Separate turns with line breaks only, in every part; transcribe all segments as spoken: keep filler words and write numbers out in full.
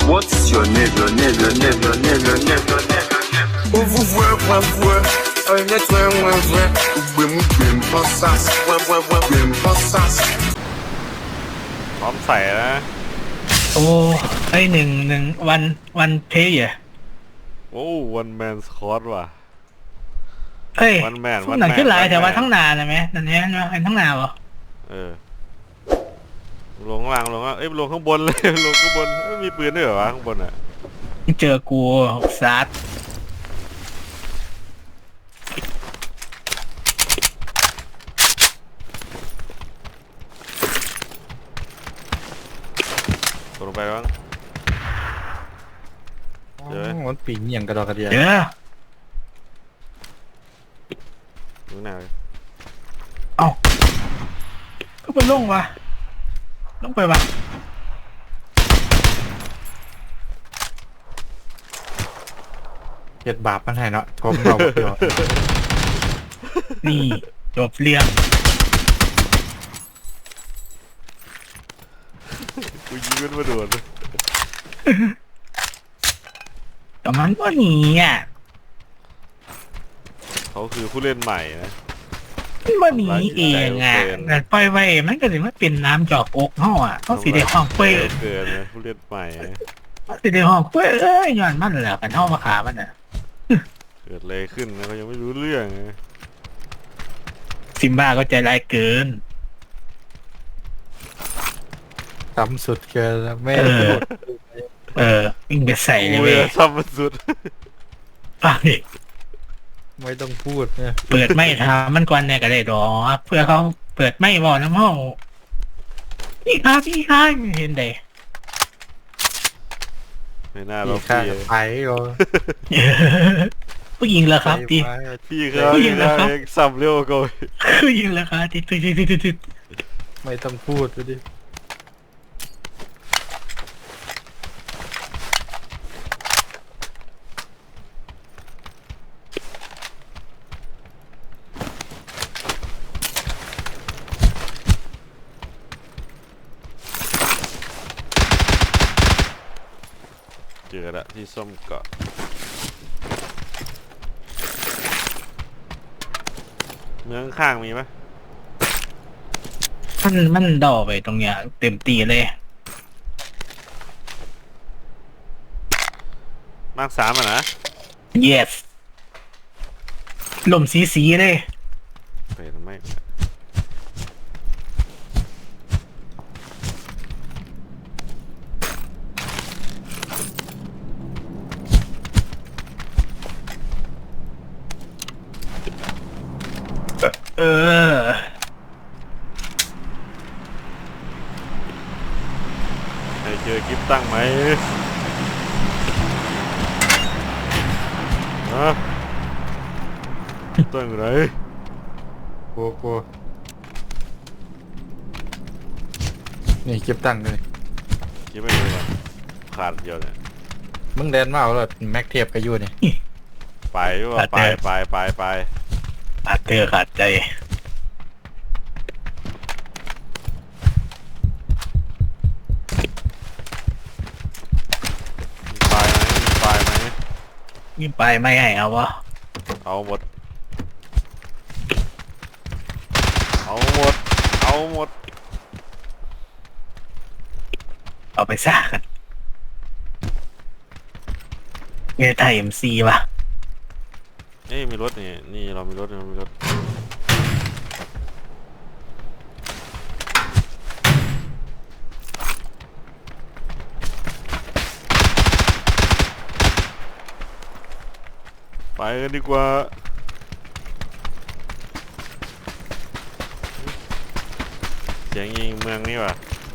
What's your name, your name, your name, your name, your name, your name, your name? Où vous voyez, moi, voyez, un être, moi, voyez, où vous m'oubliez, pas ça, moi, moi, moi, m'oubliez, pas ça.
พร้อมใส่นะ
โอ้ไอหนึ่งหนึ่งวันวันเพย์อ่ะ
โอ้วันแมนสคอตว่ะ
เอ้ย
One man
พวก
one
หนัง
man
ขึ้นหลาย
one
แต่ว่า
man
ทั้งนานนะไหมตอนนี้นะไอ้ทั้งนานเหรอ
เออลงข้างล่างลงข้างเอ้ยลงข้างบนเลย ลงข้างบนเอ้ยมีปืนด้วยเหรอวะข้างบนอ่ะ
เจอกูซัด
ตกลงไปบ้าง เดี๋ยว
มันปีนอย่างกระดอกกระเดีย
เดี๋ยว
ดูหน้าเลย
เอ้าก็ไปลงวะลงไปวะ
เจ็ดบาปมันให้เนาะทมเราเดียว
นี่จบเรื่อง
กูยิงมันมาโดน
แต่มันก็หนีอ่ะ
เขาคือผู้เล่นใหม่นะ
มันก็หนีเองอ่ะ
เกิน
แต่ปล่อยไว้มันก็ถือว่าเป็นน้ำจอกอกห่ออ่ะเขาสีแดงห้องเป้ย
เกินนะผู้เล่นใหม่นะ
เขาสีแดงห้องเป้ยเอ้ยย้อนมันแหละกันห้องมาขามันอ่ะ
เกิดอะไรขึ้นนะเขายังไม่รู้เรื่องนะ
ซิมบ้าก็ใจร้ายเกิน
ต่ำสุดเกินแล้วไม่
เออ
พูด
เออวิ่งไปใส่เลย
กู
เว้ย
จะซ้ำมันสุด
ฟังดิ
ไม่ต้องพูดเนี่ย
เปิดไม่ทำมันก่อนเนี่ยก็ได้ดอกเพื่อเขาเปิดไม่บอกน้ำห้องพี่ค้าพี่ค้าไม่เห็นเด้
ไม่น่า
พี่
เรา
ข้า
พี่
ไปก็
ผู้หญิงเหรอครับที
ไป
พี่เขา
ผู้หญิงเหรอครับ
เองซ้ำเร็วกว่า
ผู้หญิงเหรอครับทีตุยตุยตุยตุยตุย
ไม่ต้องพูดไปดิ
เจอละที่ส้มเกาะเมืองข้างมีไหม
มันมันดอไปตรงเนี้ยเต็มตีเลย
มากสามอ่ะนะ
yes ลมสีสีเลย
เป็นไม่
เออ
ใครเจอกิฟตั้งไหมฮะตั้งไหน
กลัวกลัวนี่เก็บตังค์เลย
กิฟไม่รู้อ่ะขาดเดียวเนี่ย
มึงแดนมาเอาแล้วแม็กเทียบกับยูนี่
ไปด้วยว่าไปไปไปไป
ขาดเธอขาดใจ
มีไฟไหมมีไฟไหม
นี่ไปไม่ให้เอาวะ
เอาหมดเอาหมดเอาหมด
เอาไปซ่ากันเงยไทยเอ็มซีวะ
เอ้ยมีรถนี่นี่เรามีรถเรามีรถไปกันดีกว่าเสียงยิงเมืองนี่ว่ะ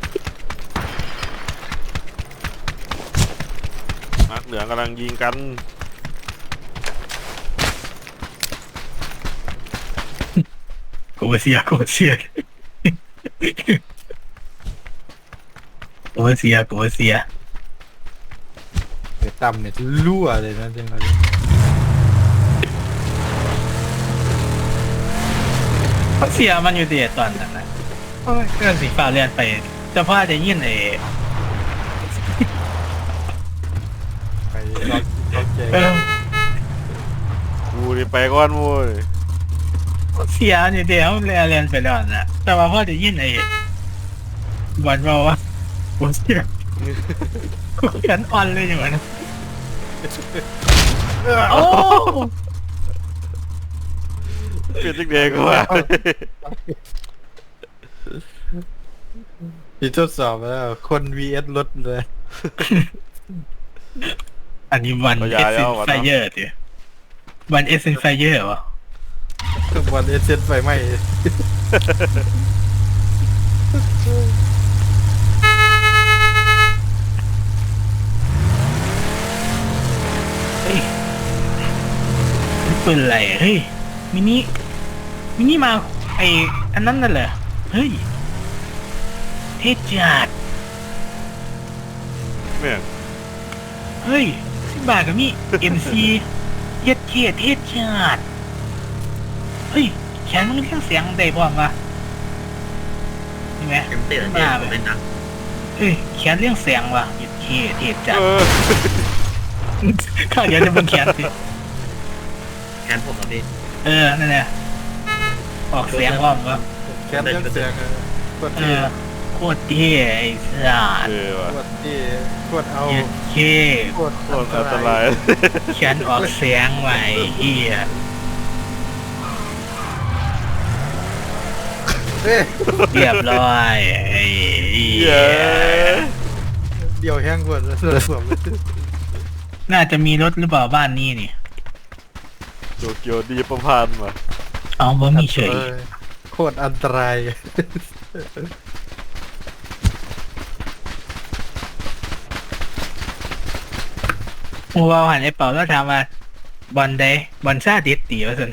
นักเหลืองกำลังยิงกัน
โกเซียโกเซียโกเซียโกเซีย
เดี๋ยวต่ำเนี่ยรั่วเลยนะจริงๆ
เขาเสียมันอยู่เดียตอนนั้นนะโอ้ยก็สีฟ้าเรียนไปเฉพาะจะยินไอ้เออ
กูนี่ไปก่อนโว้ย
เสียเนี่ยเดี๋ยวเรียนเรียนไปแล้วนะแต่ว่าพ่อจะยินไอ้บอลบอกว่ากูเสียกูเขียนออนเลยอย่างนั้นโอ้
เป็นจังเด็กกว่า
พี่ทดสอบมาแล้วคน วี เอส รถเลย
อันนี้วันเอสเซนไฟเยอร์ดิวันเอสเซนไฟเยอร์วะ
วันเอเซนไฟไหม้
เฮ้ยนี่ปืนอะไรเฮ้ยมินิมินิมาไออันนั้นน่ะเหรอเฮ้ยเทจัด
แม่ง
เฮ้ยสิบบาทกับมี่ เอ็ม ซี เย็ดเทียเทจัดเฮ้ยแขนมันเรียงเสียงได้พร้อมปะเห็นไหม
เต็มเตี้ย
ขึ้น
เนี่
มาย
ผมเป็นหนัก
เฮ้ยแขนเรียงเสียงว่ะเย็ดเทียเทจัด
เออ
ข้าเดี๋ยวจะเป็นแขนสิ
แขนผมอ่ะพี่
เออนั่นแหละออกเสียงพร้อมปะ
แคสเรื่องเสียงอะกด
เอ
ที่
อโคตรเท่ไอ้สัส
เออว่ะ
กดที่กดเอา
เย็ดเค
กด
โคตรอันตราย
เขียนออกเสียงไว้เฮีย
เอ้ย
เรียบร้อยไอ้เหี้
เย้
ย
เดี่ยวแห้งกดแล้วสวมเลย
น่าจะมีรถหรือเปล่าบ้านนี้นี่
โตเกียวดีประพันธ์ว่ะ
เอาบ่มีเฉย
ออโคตรอันตราย
มูว่าหันไอ้เป่าแล้วถามว่าบอลใดบอลซาดิสตีว่าสัน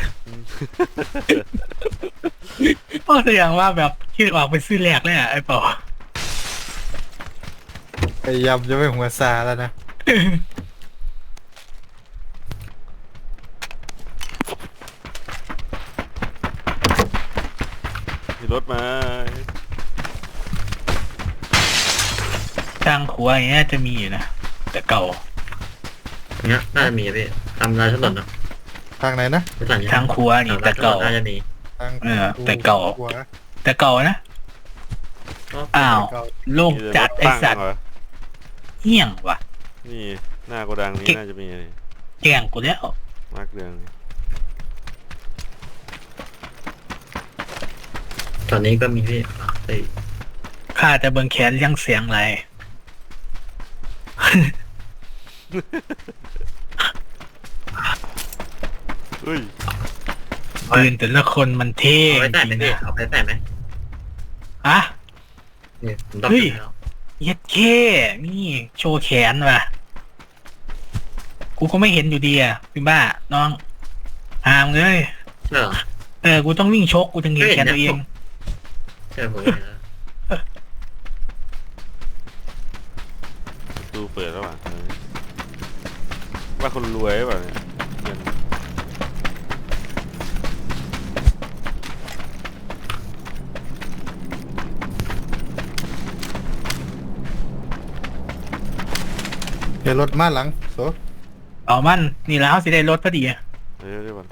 เพราะแสดงว่าแบบคิดออกไปซื้อแรกเลยอ่ะไอ้เป่า
พยายามจะไม่หัวซาแล้วนะ
มีรถมา
ทางขวาอย่างเงี้ยจะมีอยู่นะแต่เก่า
เนี้ยน่าจะมีอะพี่ทำลายถนนเนาะ
ทางไหนนะ
ไม่สั่ง
ทางขวานี่
ทำลา
แต่
ยถน
เก่าน
น่าจะมี
ทาง
เออแต่เก่า
หัว
แต่เก่านะอ้าวโล่งจัดไอ้สัตว์
เหรอ
เหี้ยงว่ะ
นี่หน้าโกดังนี้น่าจะมีนี่
แกงกูแล้ว
มาร์กเรือง
ตอนนี้ก็มีพี่ไอ้
ข้าจะเบิ่งแขนเลี้ยงเสียงอะไร
เฮ้ย
ปืนแต่ละคนมันเท่
เอาไป
จ
ใส่ไหม
ริง
พี่
นะ
เอาไปใส่ไหม
อะ
เนี่ยผมต้อง
เฮ้ย
ซื้อแล้ว
เย็ดเคนี่โชว์แขนว่ะ กูก็ไม่เห็นอยู่ดีอ่ะพี่บ้า น้องหามเลย
ใช่เหรอ
เออ กูต้องวิ่งชกกูถึงเห็นแขนตัวเอง
ใช่ผมเห็นแล้ว
ประตูเปิดแล้วว่ะเออว่าคนรวยหรือเปล่าเนี่ยเงิน
เดี๋ยวรถมาหลังโซ
เอามัน นี่แล้วสิได้รถพอดีอะ
เดี๋ยวเดี๋ยวก่อน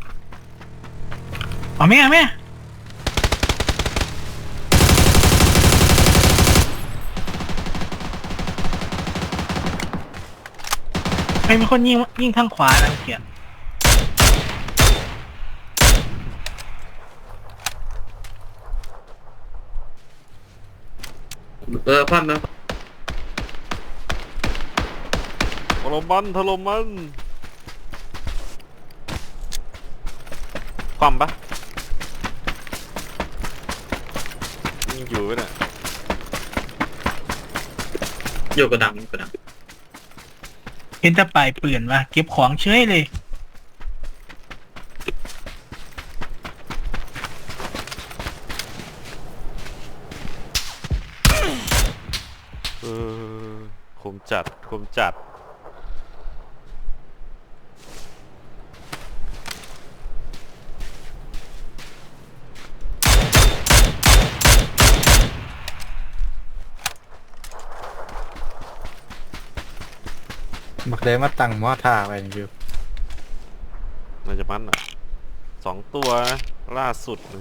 เอาแม่เอาแม่ใครเป็นคนยิงยิงทางขวานะเขียน
เออคว่ำแล้ว
ถล่มมันถล่มมันความปะยังอยู่ปะเนี่ย
อยู่กระดังกระดัง
เห็นแตะปลายปืนว่ะเก็บของเฉยเลย
เออคมจัดคมจัด
บักได้มาตั้งหม้อท่าไปอยู่
มันจะมันอ่ะสองตัวนะล่าสุดเลย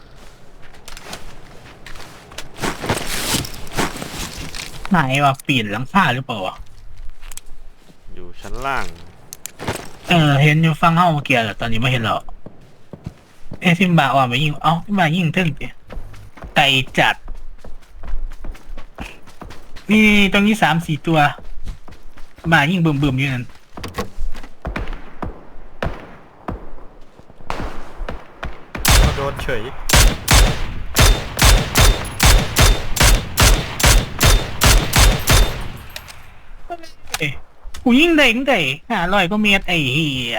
ไหนวะปีนหลังคาหรือเปล่าวะ
อยู่ชั้นล่าง
เออเห็นอยู่ฟังเฮ้าเมื่อกี้แหละตอนนี้ไม่เห็นหรอกเอ้ซิมบาว่าไปยิงเอ้าซิมบายิงเท่งดิไก่จัดนี่ตรงนี้สามสี่ตัวบายิงบึมบึมๆอยู่นั่น
โดนเฉย
เอ้ยกูยิงได้ยิงได้ห้าร้อยก็เมตรไอ้เหี้ย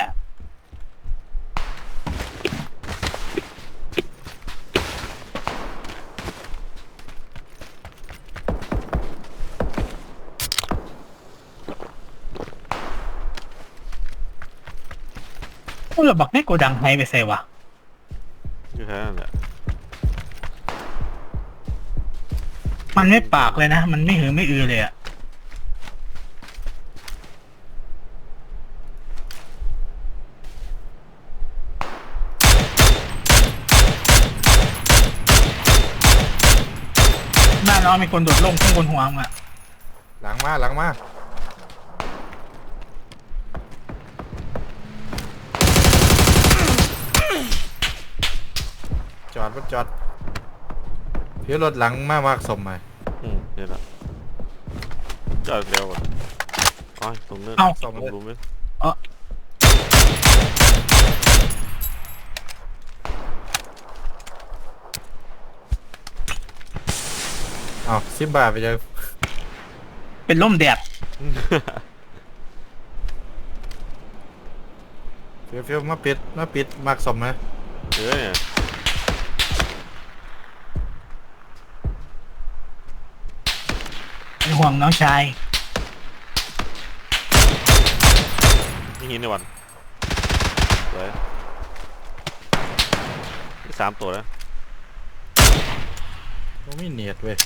โอ้เราบอกให้โกดังให้ไปใส่วะ
อยู่แค่นั้นแหละ
มันไม่ปากเลยนะ มันไม่หือไม่อือเลยอะบ้านเรามีคนโดดลงข้างบนหัวมึงอะ
หลังมาหลังมาจอดรถจอดเพี่รถหลังมามากสมไหม
อืมเดี๋ยวละจอดเร็วก่อนอ๋อตรงเนื้อ
เอ้า
ตรงรูมเลย
เอาสิบบาทไปเจอ
เป็นล่มแดด
เฟี้ยวเฟี้ยวมาปิดมาปิดมากสมไหม
เดี๋ยวเนี่ย
เป็นห่วงน้องชาย
นี่หินในวันสวยนี่สามตัวแล้ว
มันไม่เนียดเว้ย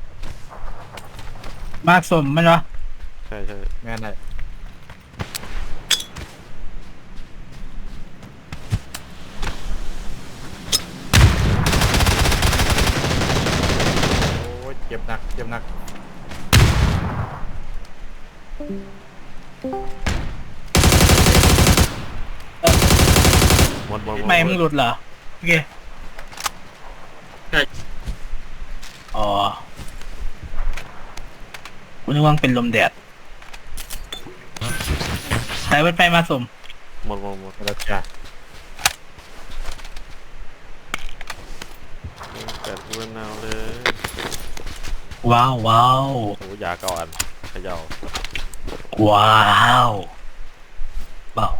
มากสมมันวะ
ใช่ใช่
แม่นได้โอ้ยเจ็บหนักเจ็บหนัก
หมดหมดหมด
ไม่มึงหลุดเหรอโอเค
ใช่
อ๋อกูนึกว่ามันเป็นลมแดดสายไฟมาสม
หมดหมดหมด
แล้วจ้า
แปดกูเป็นแนวเลย
ว้าวว้าว
โอ้ยาเก้าอันเขย่า
ว้าวเบา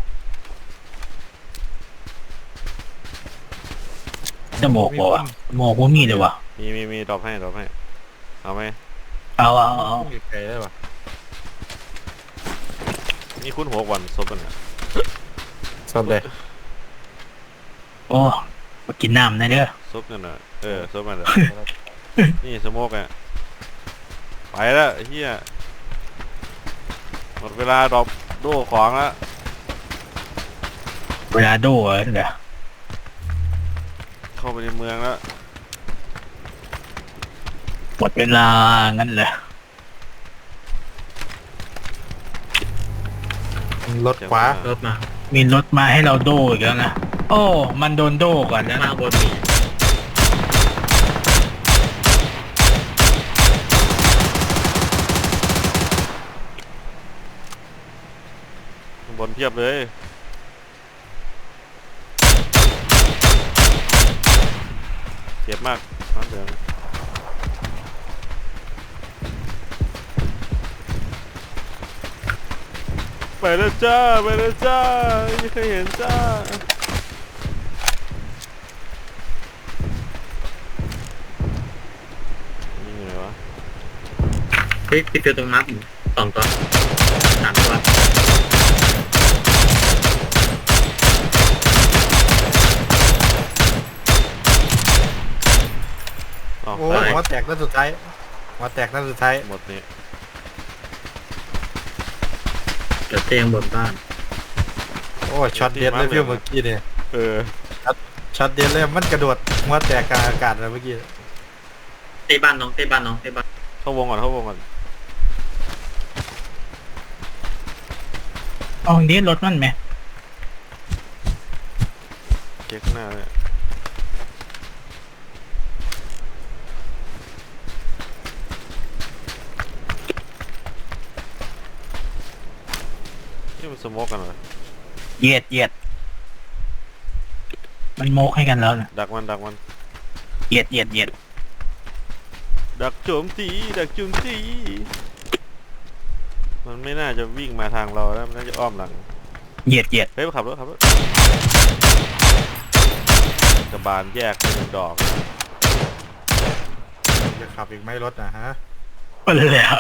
จะโมกบ่วะโมกว่ามีเลยวะ
มีมีมีดรอปให้ดรอปให้เอาไหม
เอาเอาเอา
มีไกลได้ปะ
นี่คุณหัววันซบกันเนี่ย
สอบเลย
โอ้มากินน้ำนะเด้อ
ซบกันน่ะเออซบกันเด้อ นี่สโมกอ่ะไปแล้วไอ้เฮียหมดเวลาดรอปโดของแล้ว
เวลาโดเหรอเด้อ
เข้าไปในเมืองแล้ว
หมดเวลางั้นเลย
รถขวา
รถมา
มีรถมาให้เราโดอีกแล้วนะโอ้มันโดนโดก่อนแล้ว
มา
นะ
บนมี
ข้างบนเทียบเลยเจ็บมากน้ำเหลืองไปแล้วจ้าไปแล้วจ้าไม่เคยเห็นจ้านี่ไงวะ
เฮ้ยติดตัวตรงมาร์คสองตัวสามตัว
อ๋อ
โอ้
ตาย
หัวแตกนัดสุดท้ายหัวแตกนัดสุดท้าย
หมดนี่
ดี๋ยวเตียงบนบ้าน
โอ้ช็อตเด็ดเลยพี่เมื่อกี้เนี่ย
เออ
ช็อตเด็ดเลยมันกระโดดหัวแตกกลางอากาศเลยเมื่อกี้
เต้บ้านน้องเต้บ้านน้องเต้บ้าน
เข้าวงก่อนเข้าวงก่อน
เอาเนี้รถมันไหม
เก๊กหน้าเลยนี่มันสโมกกันเหรอ
เหยียดเหยียดมันโมกให้กันแล้วนะ
ดักมันดักมัน
เหยียดเหยียดเหยียด
ดักโจมตีดักโจมตีมันไม่น่าจะวิ่งมาทางเราแล้วมันน่าจะอ้อมหลัง
เหยียดเหยียด
เฮ้ยขับรถขับรถกระบาลแยกเป็นงดอก
จะขับอีกไหม่รถนะฮะ
ไปแล้ว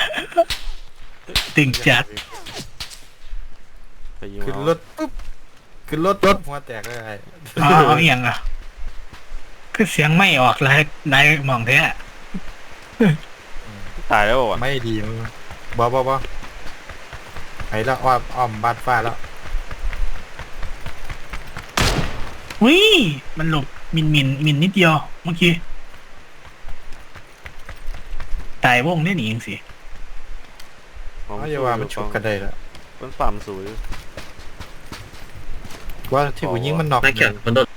ตึงจัด
ไปยิง
ขึ้น
เอา
รถปุ๊บขึ้นรถรถหัวแตกเลยไอ้
อ๋อเอาเอียงอ่ะคือเสียงไม่ออกเลยนายมองแท้
ตายแล้ววะ
ไม่ดีมึงบอบอบอไอ้ละอ้อมอ้อมบาดฟ้าแล้ว
วิมันหลบมินมินมินนิดเดียวเมื่อกี้ตายวงได้หนีเองสิ
ของ
เอาอย่าว่ามันชกกันได้แล้ว
มันปั่มสวย
ว่าที่ผู้ยิงมันนอก
นายเขียวมันโดน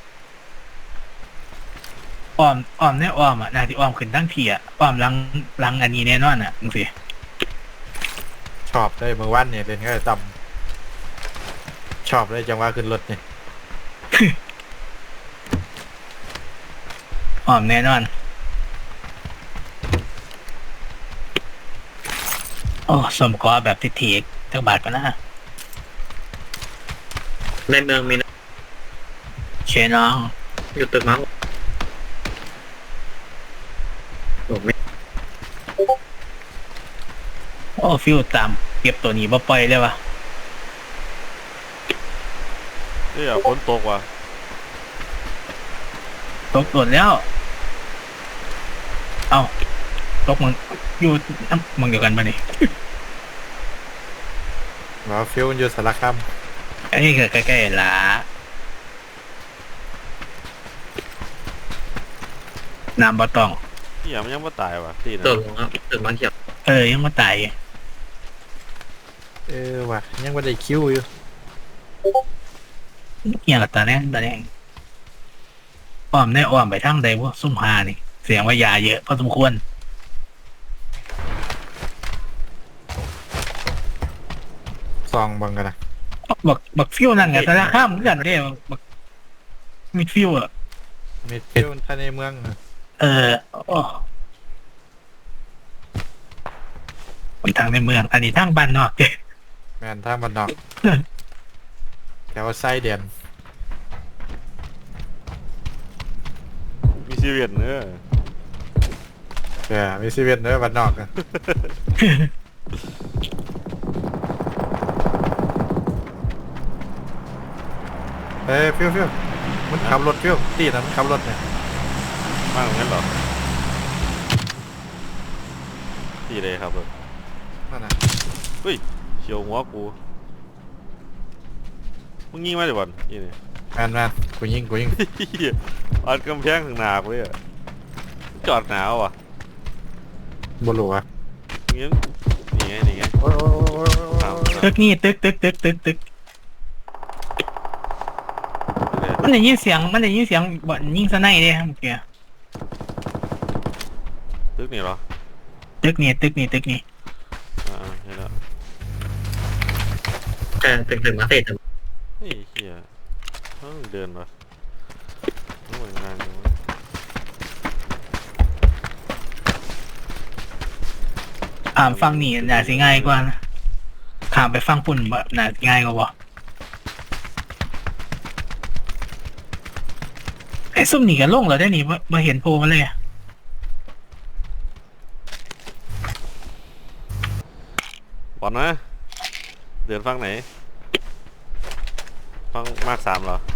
อ้อมอ้อมเนี่ยอ้อมอ่ะนาที่อ้อมขึ้นตั้งทีอ่ะอ้อมหลังหลังอันนี้แน่นอนอ่ะมึงสิ
ชอบได้เมื่อวันเนี่ยเป็นแค่ต่ำชอบเลยจังหวะขึ้นรถเนี่ย
อ้อมแน่นอนโอ้สมกอแบบทิถีกจักบาทปะนะ
ในเมืองมีนะ
เชน้อง
อยู่ตึกมั้งโอ้ไม่
โอ้ฟิวตามเก็บตัวนี้บ่ปล่อยเลยวะ
เฮ้ยฝนตกว่ะ
ตกโดนแล้ว เอ้าตกมึงอยู่น้ำมึงเดียวกันปะนี่
ว่าฟิวมันอยู่สารคาม
ไอ้นี่คือใกล้ๆละน้ำบ่ต้อง
ที่ยังมันยังไม่ตายว่ะที่
ตึ
นะ
กลงครับตึกมั้งเขียว
เออยังมาตาย
เออว่ะยังไม่ได้คิวอยู่
เงี้ยกับตาแน่งตาแน่งอ้อมได้อ้อมไปทางใดวะซุ่มหานี่ เสียงว่ายาเยอะพอสมควร
ซองบังกันนะ
บักบักฟิวนั่นไงแต่ละข้ามเหมือนกันเด้บักมิดฟิวอ่ะ
มีฟิวภายในเมืองอะ
เออโอ้คนทางในเมือง อันนี้ทางบ้านนอกเด้
แมนท่ามันนอกแถวไส้เดียน
มีซีเรียสเนอะ
เออมีซีเวียนเนอะมันนอกอะเอ้ยฟิวฟิวมันขับรถฟิวตีนะมันขับรถเนี่ย
มากเหมือนกันเหรอที่เลยครับเออ
นั่นน่ะ
เฮ้ยเฉียวหัวกูมึงยิงมาเดี๋ยวก่อนนี่นี่
แมนแมนกูยิงกูยิง
เหี้ยอัดกำแพงถึงหนากูเลยอะจอดหนาวอ่ะ
บลูอะ
งี้นี่ไงนี่ไง
โอ้ยโอ้ยโอ้ยโอ้ย
ตาม
ตึกนี่ตึกตึกตึกตึกตึกมันได้ยินเสียงมันได้ยินเสียงบ่อนยิงสไนเด้เมื่อกี้
ตึกนี่เหรอ
ตึกนี่ตึกนี่ตึกนี่
อ่าใช่แล้ว
แต่ตึกตึกมาเสร็จ
เฮ้ยเฮียเอ้าเดินมาต้องเหมือนงานอยู่วะ
อ่ามฟังนี่น่าสิง่ายกว่านะข้ามไปฟังปุ่นบ่น่าสิง่ายกว่าบ่ไอ้ซุ่มนี่กันลงแล้วได้นี่บ่บ่เห็นโพมาเลยอะ
บอลนะเดินฟังไหนฟังมากสามเหรอ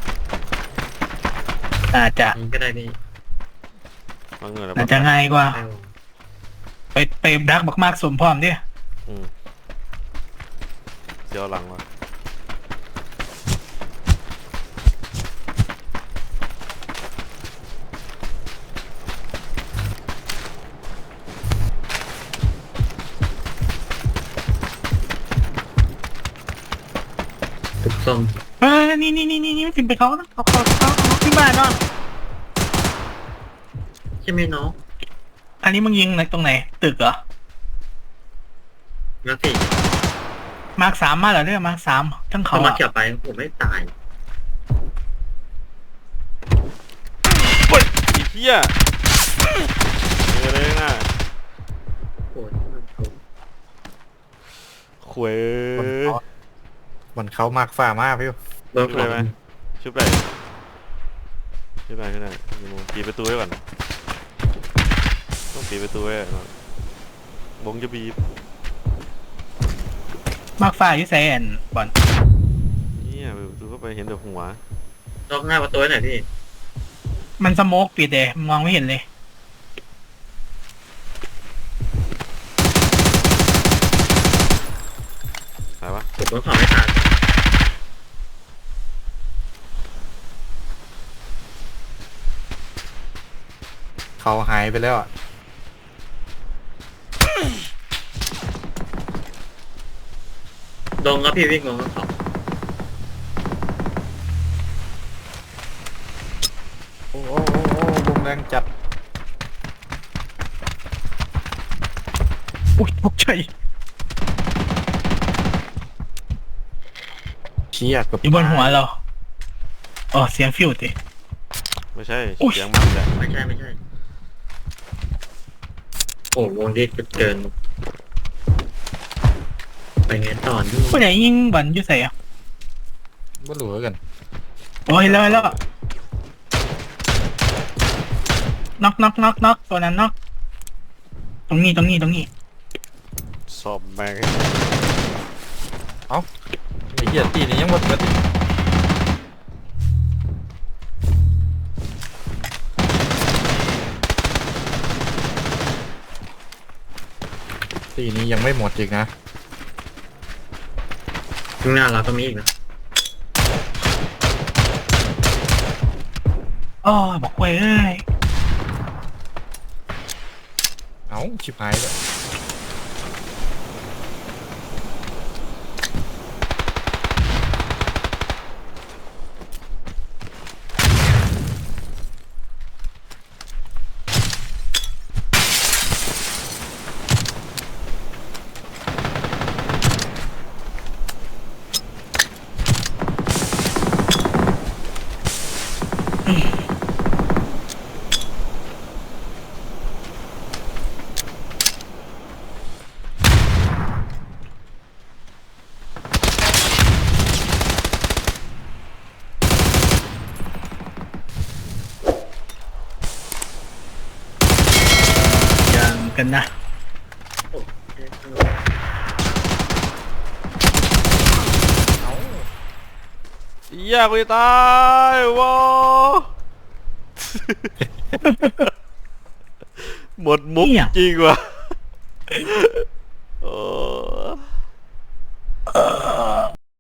น่าจะ
นี่ก็ได้นี่
ฟังเงินแล้ว
น่าจะง่ายกว่า
ได้
ไปไปดักบักมากสมพร้อมดิ
อืมเดี๋ยวหลังวะ
ถูกส้ม
เออนี่นี่นี่นี่ไม่ถึงไปเขานะเขาเขาเขาเขาที่บ้านเนาะ
ใช่ไหมน้อง
อันนี้มึงยิงในตรงไหนตึกเหรอ
มาสิ
มาร์คสามมาเหรอเนี่ยมาร์คสามทั้ง
เขา
เขา
มา
อะ
เกี่ยวไปผมไม่ตาย
เฮ้ยไอ้เหี้ยเจอเลยนะ
โอ้ย
ขวย
มันเขามากฝ่ามากพี่
โดน
ชุบ
ข
ไป
อง
ไหมชุบไปชุบไปขึ้นได้กี่โมงปิดประตูไว้ก่อนต้องปิดประตูไว้ก่อนวงจะบีบ
มาร์คฟ้าอยู่ไซแอนบอล
เนี่ยเปิดประตูเข้าไปเห็นแต่หัว
ล็อกหน้าประตูหน่อยพี่
มันสโมกปิดเลยมองไม่เห็นเลย
ตายวะ
ผมโดนของไม่ทัน
เขาหายไปแล้วอ่ะ
ลงครับพี่วิ่งลงครับ
โอ้โอ้โอ้โอ้ลงแรงจัด
อุ้ยตกใจ
เชี่ยเกับ
อยู่บนหัวเราอ๋อเสียงฟิวติ
ไม่ใช่
อุ๊ย
เสียงมันแหละ
ไม่ใช่ไม่ใช่โอ้วงดีเกินไปไงต่อนี่
ผู้ใหญ่ยิงบอลอยู่ใส่อะ
ไม่รู้กัน
โอ้ยแล้วแล้วน็อกน็อกน็อกน็อกตัวนั้นน็อกตรงนี้ตรงนี้ตรงนี้
สอบแม่ง
ไอ้เหี้ยตีนี่ยังหมดเลยตีนี้ยังไม่หมดอีกนะ
ข้างหน้าเราก็มีอีกนะ
อ๋อบอกเว้ยเอ้ย
เอ้าชิบหายเลย
ยังกันนะ
โอ้
เหี้ยกูจะตายว้า หมดมุกจริงว่ะโอ้
เออ